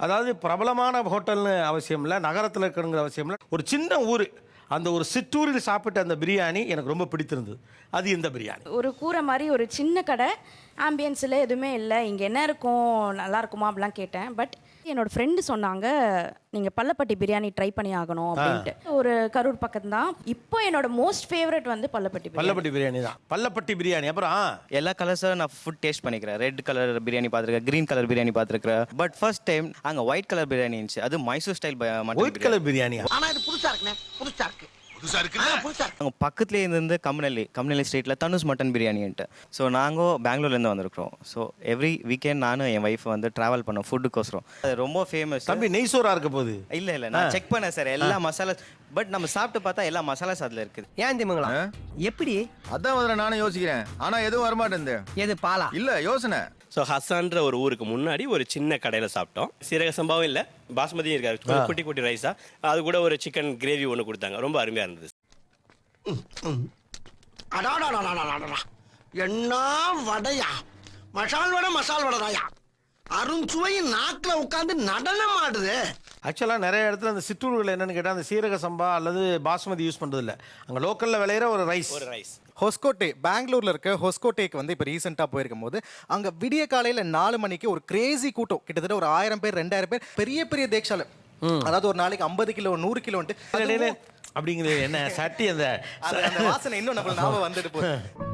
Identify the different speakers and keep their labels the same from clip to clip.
Speaker 1: அதாவது பிரபலமான ஹோட்டல்னு அவசியம் இல்லை, நகரத்தில் இருக்கணுங்கிற அவசியம் இல்லை. ஒரு சின்ன ஊர், அந்த ஒரு சிற்றூரில் சாப்பிட்ட அந்த பிரியாணி எனக்கு ரொம்ப பிடித்திருந்தது. அது இந்த பிரியாணி.
Speaker 2: ஒரு கூரை மாதிரி ஒரு சின்ன கடை, ஆம்பியன்ஸில் எதுவுமே இல்லை. இங்கே என்ன இருக்கும், நல்லா இருக்குமா அப்படிலாம் கேட்டேன். பட் என்னோட ஃப்ரெண்டு சொன்னாங்க, நீங்கள் பள்ளப்பட்டி பிரியாணி ட்ரை பண்ணி ஆகணும் அப்படின்ட்டு. ஒரு கரூர் பக்கம் தான். இப்போ என்னோட மோஸ்ட் ஃபேவரட் வந்து பள்ளப்பட்டி பிரியாணி
Speaker 1: தான். பள்ளப்பட்டி பிரியாணி. அப்புறம்
Speaker 3: எல்லா கலர்ஸும் நான் ஃபுட் டேஸ்ட் பண்ணிக்கிறேன். ரெட் கலர் பிரியாணி பார்த்துருக்கேன், கிரீன் கலர் பிரியாணி பார்த்துருக்கேன். பட் ஃபர்ஸ்ட் டைம் அங்கே ஒயிட் கலர் பிரியாணி இருந்துச்சு. அது Mysore style
Speaker 1: white colour biryani.
Speaker 4: ஆனா இது புதுசா இருக்குண்ணே, புதுசா இருக்கு.
Speaker 3: அங்கே பக்கத்துலேயே இருந்து கம்னலி ஸ்ட்ரீட்டில் தனுஷ் மட்டன் பிரியாணின்ட்டு. ஸோ நாங்கள் பெங்களூர்லேருந்து வந்திருக்கிறோம். ஸோ எவ்ரி வீக்கெண்ட் நானும் என் ஒய்ஃப் வந்து ட்ராவல் பண்ணோம் ஃபுட்டுக்கோசரம். அது ரொம்ப ஃபேமஸ்.
Speaker 1: தம்பி நெய்சோரா இருக்க போகுது.
Speaker 3: இல்லை நான் செக் பண்ணேன் சார், எல்லா மசாலா. பட் நம்ம சாப்பிட்டு பார்த்தா எல்லா மசாலாஸ் அதில் இருக்குது.
Speaker 4: ஏன் திமுங்களா எப்படி?
Speaker 5: அதான் முதல்ல நானும் யோசிக்கிறேன், ஆனா எதுவும் வரமாட்டேன்.
Speaker 4: எது பாலா?
Speaker 5: இல்ல யோசனை.
Speaker 6: ஸோ ஹசான்ற ஒரு ஊருக்கு முன்னாடி ஒரு சின்ன கடையில் சாப்பிட்டோம். சீரக சம்பாவும் இல்லை, பாஸ்மதியும் இருக்காது, குட்டி குட்டி ரைஸா. அது கூட ஒரு சிக்கன் கிரேவி ஒன்று கொடுத்தாங்க, ரொம்ப அருமையாக இருந்தது.
Speaker 4: என்ன வடையா, மசால் வடைதாயா, அருஞ்சுவையும் நாக்கில் உட்காந்து நடனம் ஆடுது.
Speaker 1: ஆக்சுவலாக நிறைய இடத்துல அந்த சிற்றூர்கள் என்னன்னு கேட்டால் அந்த சீரக சம்பா அல்லது பாஸ்மதி யூஸ் பண்ணுறது இல்லை. அங்கே லோக்கலில் விளையிற ஒரு ரைஸ்.
Speaker 7: ஹொஸ்கோட்டே, பெங்களூர்ல இருக்க ஹொஸ்கோட்டேக்கு வந்து இப்போ ரீசெண்டாக போயிருக்கும் போது அங்கே விடிய காலையில் 4 மணிக்கு ஒரு கிரேசி கூட்டம், கிட்டத்தட்ட ஒரு 1000 பேர் 2000 பேர், பெரிய பெரிய தேக்ஷால, அதாவது ஒரு நாளைக்கு 50 கிலோ 100 கிலோன்ட்டு
Speaker 1: அப்படிங்கிறது என்ன சட்டி, அந்த
Speaker 7: வாசனை இன்னும் நம்ம ஞாபகம் வந்துட்டு போகுது.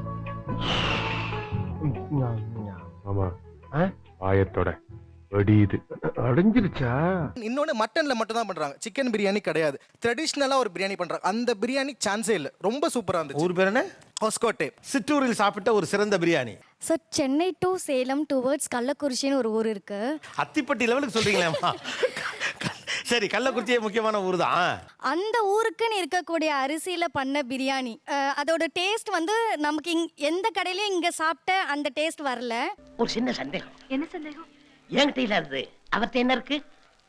Speaker 8: ஆயத்தோட வெடியுது அடைஞ்சிருச்சா.
Speaker 7: இன்னொன்று மட்டன்ல மட்டும் தான் பண்றாங்க, சிக்கன் பிரியாணி கிடையாது. ட்ரெடிஷ்னலா ஒரு பிரியாணி பண்றாங்க. அந்த பிரியாணி சான்ஸே இல்லை, ரொம்ப சூப்பரா இருந்துச்சு.
Speaker 1: ஊர் பேர் என்ன?
Speaker 7: ஹொஸ்கோட்டே.
Speaker 1: சிற்றூரில் சாப்பிட்ட ஒரு சிறந்த biryani.
Speaker 9: Sir, Chennai to Salem towards கள்ளக்குறிச்சின்னு ஒரு ஊர் இருக்கு.
Speaker 1: அத்திப்பட்டி லெவலுக்கு சொல்றீங்களா? சரி, கள்ளக்குறிச்சியே முக்கியமான ஊர் தான்.
Speaker 9: அந்த ஊருக்குன்னு இருக்கக்கூடிய அரிசியில பண்ண பிரியாணி, அதோட டேஸ்ட் வந்து நமக்கு எந்த கடையிலயும் இங்க சாப்பிட்ட அந்த டேஸ்ட் வரல.
Speaker 4: ஒரு சின்ன சந்தேகம்.
Speaker 10: என்ன சந்தேகம்?
Speaker 4: என்கிட்ட இல்லாதது அவர்கிட்ட என்ன இருக்கு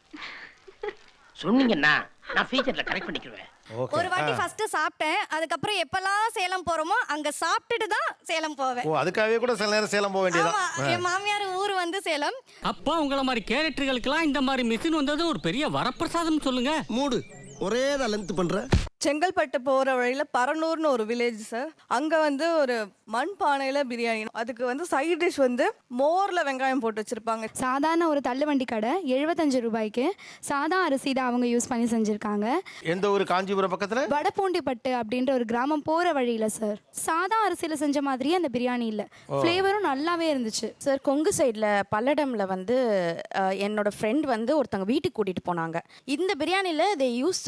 Speaker 4: சொன்னீங்கன்னா நான் ஃபியூச்சர்ல கரெக்ட் பண்ணிக்குவேன்.
Speaker 9: ஒரு வாட்டி ஃபர்ஸ்ட் சாப்பிட்டேன், அதுக்கப்புறம் எப்பெல்லாம் சேலம் போறோமோ அங்க சாப்பிட்டுட்டு தான் சேலம் போவேன்.
Speaker 1: அதுக்காகவே கூட சில நேரம் சேலம் போக வேண்டியது.
Speaker 9: என் மாமியார் ஊர் வந்து சேலம்.
Speaker 11: அப்பா உங்களை மாதிரி கேரக்டர்களுக்கெல்லாம் இந்த மாதிரி மிஷின் வந்தது ஒரு பெரிய வரப்பிரசாதம் சொல்லுங்க.
Speaker 4: மூடு ஒரே லென்த் பண்ற.
Speaker 12: செங்கல்பட்டு போகிற வழியில் பரனூர்னு ஒரு வில்லேஜ் சார். அங்கே வந்து ஒரு மண் பானையில் பிரியாணி, அதுக்கு வந்து சைட் டிஷ் வந்து மோரில் வெங்காயம் போட்டு வச்சுருப்பாங்க.
Speaker 9: சாதாரண ஒரு தள்ளுவண்டி கடை 75 ரூபாய்க்கு சாதா அரிசி தான் அவங்க யூஸ் பண்ணி செஞ்சுருக்காங்க.
Speaker 1: எந்த ஒரு காஞ்சிபுரம் பக்கத்தில்
Speaker 9: வடபூண்டிப்பட்டு அப்படின்ற ஒரு கிராமம் போகிற வழியில் சார். சாதா அரிசியில் செஞ்ச மாதிரியே அந்த பிரியாணி இல்லை, ஃப்ளேவரும் நல்லாவே இருந்துச்சு
Speaker 2: சார். கொங்கு சைடில் பல்லடமில் வந்து என்னோட ஃப்ரெண்ட் வந்து ஒருத்தவங்க வீட்டுக்கு கூட்டிகிட்டு போனாங்க. இந்த பிரியாணியில் தே யூஸ்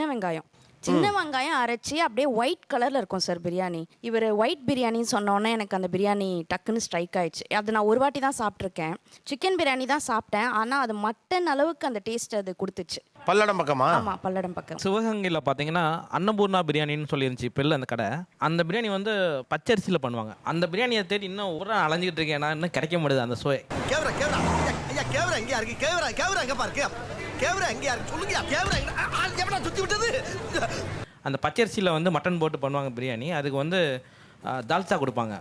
Speaker 2: சின்ன வெங்காயம் அரைச்சி அப்படியே ஒயிட் கலரில் இருக்கும் சார் பிரியாணி. இவர் ஒயிட் பிரியாணின்னு சொன்னோன்னே எனக்கு அந்த பிரியாணி டக்குன்னு ஸ்ட்ரைக் ஆயிடுச்சு. அது நான் ஒரு வாட்டி தான் சாப்பிட்ருக்கேன். சிக்கன் பிரியாணி தான் சாப்பிட்டேன், ஆனால் அது மட்டன் அளவுக்கு அந்த டேஸ்ட் அது கொடுத்துச்சு.
Speaker 1: பல்லடம் பக்கமா?
Speaker 2: ஆமாம், பல்லடம் பக்கம்.
Speaker 13: சிவகங்கையில் பார்த்தீங்கன்னா அன்னபூர்ணா பிரியாணின்னு சொல்லியிருந்துச்சு இப்போ இல்லை அந்த கடை. அந்த பிரியாணி வந்து பச்சரிசியில் பண்ணுவாங்க. அந்த பிரியாணியை தேடி இன்னும் ஒரு அலைஞ்சிக்கிட்டு இருக்கேன், நான் இன்னும் கிடைக்க முடியுது அந்த சுவை.
Speaker 4: கேவரா எங்கேயா இருக்கு? கேவரா எங்க பாருக்கு? கேவரா எங்கேயா இருக்கு சொல்லுங்க. கேவரா எவனா சுத்தி விட்டது?
Speaker 13: அந்த பச்சரிசியில் வந்து மட்டன் போட்டு பண்ணுவாங்க பிரியாணி. அதுக்கு வந்து தால்சா கொடுப்பாங்க.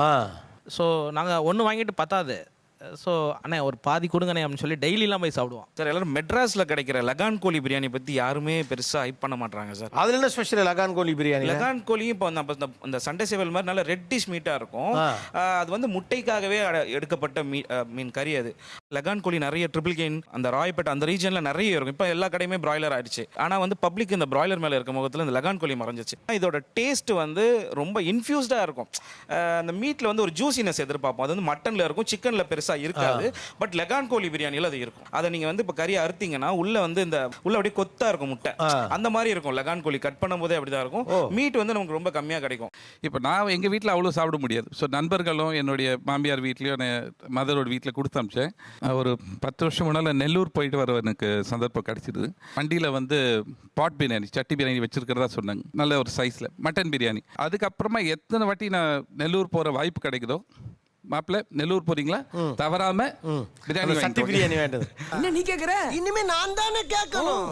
Speaker 13: ஸோ நாங்கள் ஒன்று வாங்கிட்டு பத்தாது. ஸோ அண்ணே ஒரு பாதி கொடுங்கண்ணே அப்படின்னு சொல்லி டெய்லிலாம் போய் சாப்பிடுவோம்
Speaker 14: சார். எல்லாரும் மெட்ராஸில் கிடைக்கிற லகான் கோழி பிரியாணி பற்றி யாருமே பெருசாக ஹைப் பண்ண மாட்டாங்க சார்.
Speaker 1: அதில் என்ன ஸ்பெஷல் லகான் கோழி பிரியாணி?
Speaker 14: லகான் கோழியும் இப்போ இந்த சண்டே சேவல் மாதிரி நல்ல ரெட்டிஷ் மீட்டாக இருக்கும். அது வந்து முட்டைக்காகவே எடுக்கப்பட்ட மீன் கறி. அது லகான் கோழி நிறைய ட்ரிபிள் கெயின் அந்த ராயப்பேட்டை அந்த ரீஜனில் நிறைய இருக்கும். இப்போ எல்லா கடையுமே பிராய்லர் ஆயிடுச்சு. ஆனால் வந்து பப்ளிக் இந்த பிராய்லர் மேலே இருக்க முகத்தில் இந்த லகான் கோழி மறைஞ்சிச்சு. இதோட டேஸ்ட் வந்து ரொம்ப இன்ஃபியூஸ்டாக இருக்கும். அந்த மீட்டில் வந்து ஒரு ஜூசினஸ் எதிர்பார்ப்போம். அது வந்து மட்டனில் இருக்கும், சிக்கனில் பெருசாக இருக்காது. பட் லகான் கோழி பிரியாணியில் அது இருக்கும். அதை நீங்க வந்து இப்ப கறி அறுத்தீங்கன்னா உள்ள வந்து இந்த உள்ள அப்படியே கொத்தா இருக்கும் முட்டை, அந்த மாதிரி இருக்கும். லகான் கோழி கட் பண்ணும் போதே அப்படிதான் இருக்கும். மீட் வந்து நமக்கு ரொம்ப கம்மியா கிடைக்கும்.
Speaker 15: இப்போ நான் எங்கள் வீட்டில் அவ்வளோ சாப்பிட முடியாது. ஸோ நண்பர்களும் என்னுடைய மாமியார் வீட்லேயும் மதரோட வீட்டில் கொடுத்து அமிச்சேன். ஒரு 10 வருஷம் முன்னால் நெல்லூர் போயிட்டு வர எனக்கு சந்தர்ப்பம் கிடச்சிடுது. வண்டியில் வந்து பாட் பிரியாணி சட்டி பிரியாணி வச்சிருக்கிறதா சொன்னாங்க, நல்ல ஒரு சைஸில் மட்டன் பிரியாணி. அதுக்கப்புறமா எத்தனை வாட்டி நான் நெல்லூர் போகிற வாய்ப்பு கிடைக்குதோ, மாப்பிள்ள நெல்லூர் போறீங்களா தவறாம பிரியாணி
Speaker 1: சட்டி பிரியாணி வேண்டது.
Speaker 4: என்ன நீ கேக்குற? இனிமே நான் தானே கேட்கணும்.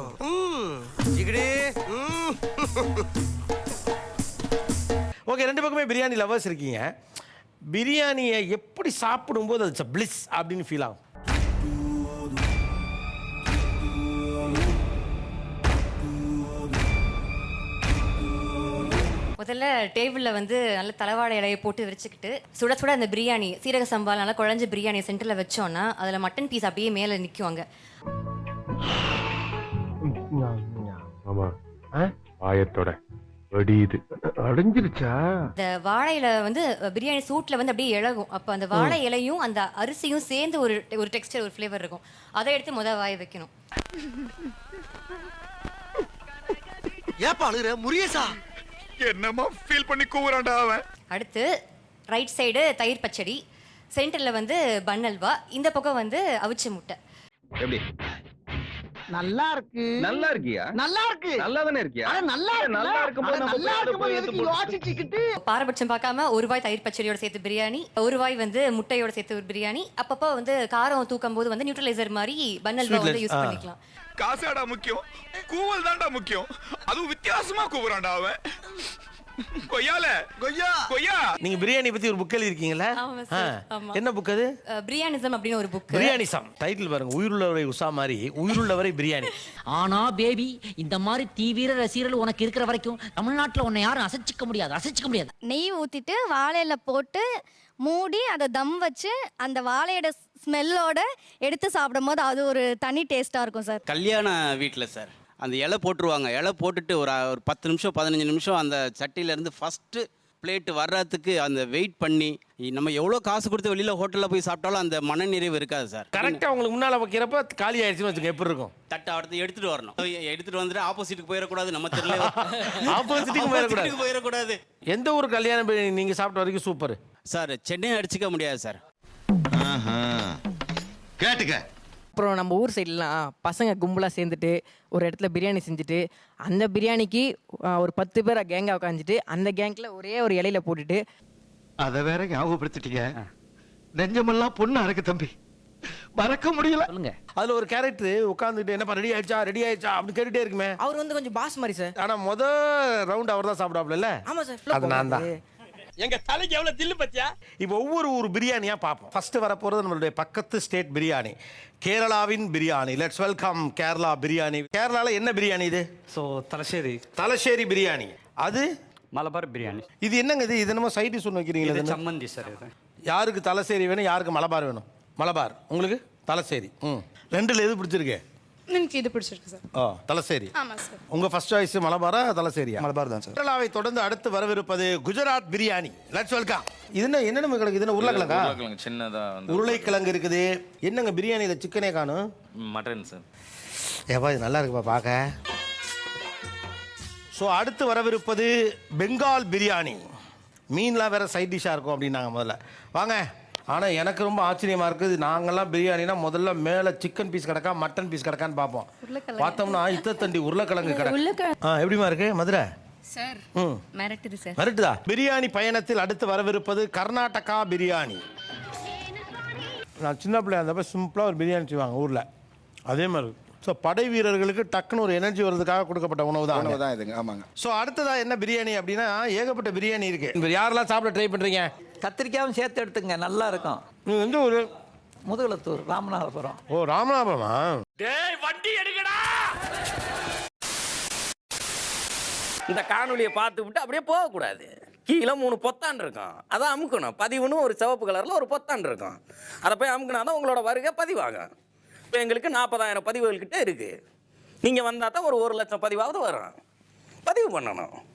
Speaker 1: ஓகே, 2 பக்கமே பிரியாணி லவர்ஸ் இருக்கீங்க. பிரியாணியை எப்படி சாப்பிடும்போது அது பிளிஸ் அப்படின்னு ஃபீல் ஆகும்?
Speaker 10: முதல்ல டேபிளில் வந்து நல்ல தலைவாழை இலையை போட்டு விரிச்சுக்கிட்டு சுட சுட அந்த பிரியாணி சீரக சம்பால் நல்லா குழஞ்ச பிரியாணி சென்டரில் வச்சோன்னா அதில் மட்டன் பீஸ் அப்படியே மேலே நிற்குவாங்க.
Speaker 8: ஆமா ஆயத்தோட வெடியுது. அடைஞ்சிருச்சா?
Speaker 10: இந்த வாழை இலை வந்து பிரியாணி சூட்டில் வந்து அப்படியே இழகும். அப்போ அந்த வாழை இலையும் அந்த அரிசியும் சேர்ந்து ஒரு டெக்ஸ்டர், ஒரு ஃப்ளேவர் இருக்கும். அதை எடுத்து வாய வைக்கணும்.
Speaker 4: ஏப்பா அழுகுற முரியேசா?
Speaker 5: என்னமா ஃபீல் பண்ணி கூவுறான்டா அவன்.
Speaker 10: அடுத்து ரைட் சைடு தயிர் பச்சடி, சென்டரில் வந்து பன் அல்வா, இந்த பக்கம் வந்து அவிச்ச முட்டை.
Speaker 5: எப்படி?
Speaker 4: நல்லா இருக்கு.
Speaker 5: நல்லா இருக்கியா?
Speaker 4: நல்லா இருக்கு.
Speaker 5: நல்லா தானே இருக்கியா?
Speaker 4: நல்லா இருக்கும்போது நம்ம யோசிச்சுக்கிட்டு
Speaker 10: பாரபட்சம் பார்க்காம ஒரு வாய் தயிர் பச்சடியோட சேர்த்து பிரியாணி, ஒரு வாய் வந்து முட்டையோட சேர்த்து ஒரு பிரியாணி. அப்பப்போ வந்து காரம் தூக்கும் போது வந்து நியூட்ரலைசர் மாதிரி பன் அல்வா வந்து யூஸ் பண்ணிக்கலாம்.
Speaker 5: காசாடா முக்கியம், கூவல் தான்டா முக்கியம். அதுவும் வித்தியாசமா கூவுறான்டா அவன். கொய்யால கொய்யா கொய்யா.
Speaker 1: நீங்க பிரியாணி பத்தி ஒரு புக் எழுதிருக்கீங்களா? என்ன புக் அது?
Speaker 10: பிரியாணிசம் அப்படின்னு ஒரு புக்.
Speaker 1: பிரியாணிசம் டைட்டில் பாருங்க, உயிருள்ளவரை உஷா மாதிரி உயிருள்ளவரை பிரியாணி.
Speaker 16: ஆனா பேபி, இந்த மாதிரி தீவிர ரசிகர்கள் உனக்கு இருக்கிற வரைக்கும் தமிழ்நாட்டுல உன்னை யாரும் அசைச்சிக்க முடியாது.
Speaker 9: நெய் ஊற்றிட்டு வாழையில போட்டு மூடி அதை தம் வச்சு அந்த வாழையோட ஸ்மெல்லோட எடுத்து சாப்பிடும் போது அது ஒரு தனி டேஸ்ட்டாக இருக்கும் சார்.
Speaker 6: கல்யாண வீட்டில் சார் அந்த இலை போட்டுருவாங்க. இலை போட்டுட்டு ஒரு 10 நிமிஷம் 15 நிமிஷம் அந்த சட்டியிலேருந்து ஃபஸ்ட்டு பிளேட்டு வர்றதுக்கு அந்த வெயிட் பண்ணி நம்ம எவ்வளோ காசு கொடுத்து வெளியில் ஹோட்டலில் போய் சாப்பிட்டாலும் அந்த மனநிறைவு இருக்காது சார்.
Speaker 1: கரெக்டாக உங்களுக்கு முன்னால் வைக்கிறப்ப காலி ஆயிடுச்சுன்னு வச்சுக்க, எப்படி இருக்கும்?
Speaker 6: தட்டை அடுத்து எடுத்துகிட்டு வரணும். எடுத்துகிட்டு வந்துட்டு ஆப்போசிட்டுக்கு போயிடக்கூடாது, நம்ம தெரியல
Speaker 1: ஆப்போசிட்டுக்கு
Speaker 6: போயிடக்கூடாது.
Speaker 1: எந்த ஒரு கல்யாண பிரியாணி நீங்கள் சாப்பிட்ட வரைக்கும் சூப்பர்
Speaker 6: சார். சென்னை அடிச்சுக்க முடியாது சார்.
Speaker 4: கேட்டுக்க.
Speaker 17: அப்புறம் நம்ம ஊர் சைட்லாம் பசங்க கும்பலாக சேர்ந்துட்டு ஒரு இடத்துல பிரியாணி செஞ்சுட்டு அந்த பிரியாணிக்கு ஒரு 10 பேரை கேங்காக உட்காந்துட்டு அந்த கேங்கில் ஒரே ஒரு இலையில போட்டுட்டு
Speaker 4: அதை வேற ஞாபகப்படுத்திட்டீங்க. நெஞ்சமெல்லாம் பொண்ணு அறக்கு தம்பி, மறக்க முடியல.
Speaker 1: அதில் ஒரு கேரக்டர் உட்காந்துட்டு என்னப்பா ரெடி ஆயிடுச்சா அப்படின்னு கேட்டுட்டே இருக்குமே.
Speaker 17: அவர் வந்து கொஞ்சம் பாஸ் மாதிரி சார்.
Speaker 1: ஆனால் ரவுண்ட் அவர் தான் சாப்பிடாப்ல.
Speaker 17: ஆமாம் சார்,
Speaker 1: அது நான் தான்.
Speaker 6: எங்க தலைக்கு எவ்வளவு தில்லு பத்தியா?
Speaker 1: இப்போ ஒவ்வொரு பிரியாணியா பார்ப்போம். ஃபர்ஸ்ட் வரப்போறது நம்மளுடைய பக்கத்து ஸ்டேட் பிரியாணி, கேரளாவின் பிரியாணி. Let's welcome Kerala biryani. கேரளால என்ன பிரியாணி இது? தலசேரி பிரியாணி. அது
Speaker 11: மலபார் பிரியாணி.
Speaker 1: இது என்னங்க இது? என்னமோ சைட் டிஷ் ஒன்று வைக்கிறீங்களா?
Speaker 11: சம்மந்தி சார். இது
Speaker 1: யாருக்கு தலசேரி வேணும், யாருக்கு மலபார் வேணும்? மலபார். உங்களுக்கு தலசேரி. ரெண்டுல எது பிடிச்சிருக்கு?
Speaker 12: எனக்கு இது பிடிச்சிருக்கு சார்.
Speaker 1: தலசேரி.
Speaker 12: ஆமாம் சார்.
Speaker 1: உங்க ஃபர்ஸ்ட் சாய்ஸ் மலபாரா தலசேரியா?
Speaker 5: மலபார் தான் சார்.
Speaker 1: கேரளாவை தொடர்ந்து அடுத்து வரவிருப்பது குஜராத் பிரியாணி. Let's welcome. இது என்ன நம்ம கிடக்கு? இது உருளைக்கிழங்கா?
Speaker 5: உருளைக்கிழங்கு சின்னதா வந்து
Speaker 1: உருளைக்கிழங்கு இருக்குது. என்னங்க பிரியாணியில சிக்கனே காணும்?
Speaker 5: Mutton sir.
Speaker 1: ஏப்பா இது நல்லா இருக்குப்பா பார்க்க. ஸோ அடுத்து வரவிருப்பது பெங்கால் பிரியாணி. மீன்லாம் வேற சைட் டிஷ்ஷாக இருக்கும் அப்படின்னாங்க முதல்ல. வாங்க. ஆனால் எனக்கு ரொம்ப ஆச்சரியமாக இருக்குது. நாங்கள்லாம் பிரியாணினா முதல்ல மேலே சிக்கன் பீஸ் கிடக்கா மட்டன் பீஸ் கிடக்கான்னு பார்ப்போம். பார்த்தோம்னா இத்தண்டி உருளைக்கிழங்கு கிடக்கு. எப்படிமா இருக்கு மதுரை
Speaker 10: சார்? மிரட்டுது சார்.
Speaker 1: மிரட்டுதா? பிரியாணி பயணத்தில் அடுத்து வரவிருப்பது கர்நாடகா பிரியாணி. நான் சின்ன பிள்ளையா இருந்தப்ப சிம்பிளாக ஒரு பிரியாணி செய்வாங்க ஊரில், அதே மாதிரி. ஸோ படை வீரர்களுக்கு டக்குன்னு ஒரு எனர்ஜி வர்றதுக்காக கொடுக்கப்பட்ட உணவு தான்
Speaker 5: இதுங்க. ஆமாங்க.
Speaker 1: ஸோ அடுத்ததா என்ன பிரியாணி அப்படின்னா ஏகப்பட்ட பிரியாணி இருக்கு. யாரெல்லாம் சாப்பிட ட்ரை பண்றீங்க?
Speaker 17: கத்திரிக்காயும் சேர்த்து எடுத்துங்க, நல்லா இருக்கும்.
Speaker 1: நீங்க எந்த ஊரு?
Speaker 17: முதுகுளத்தூர், ராமநாதபுரம்.
Speaker 1: ஓ ராமநாதபுரமா?
Speaker 11: டேய் வண்டி எடுக்கடா. இந்த காணொலியை பார்த்து விட்டு அப்படியே போகக்கூடாது. கீழே 3 பொத்தான் இருக்கும், அதை அமுக்கணும். பதிவுன்னு ஒரு சிவப்பு கலரில் ஒரு பொத்தான் இருக்கும், அதை போய் அமுக்கினா தான் உங்களோட வருகை பதிவாகும். இப்போ எங்களுக்கு 40,000 பதிவுகள் கிட்ட இருக்குது. நீங்கள் வந்தால் தான் ஒரு 1 லட்சம் பதிவாவது வரும். பதிவு பண்ணணும்.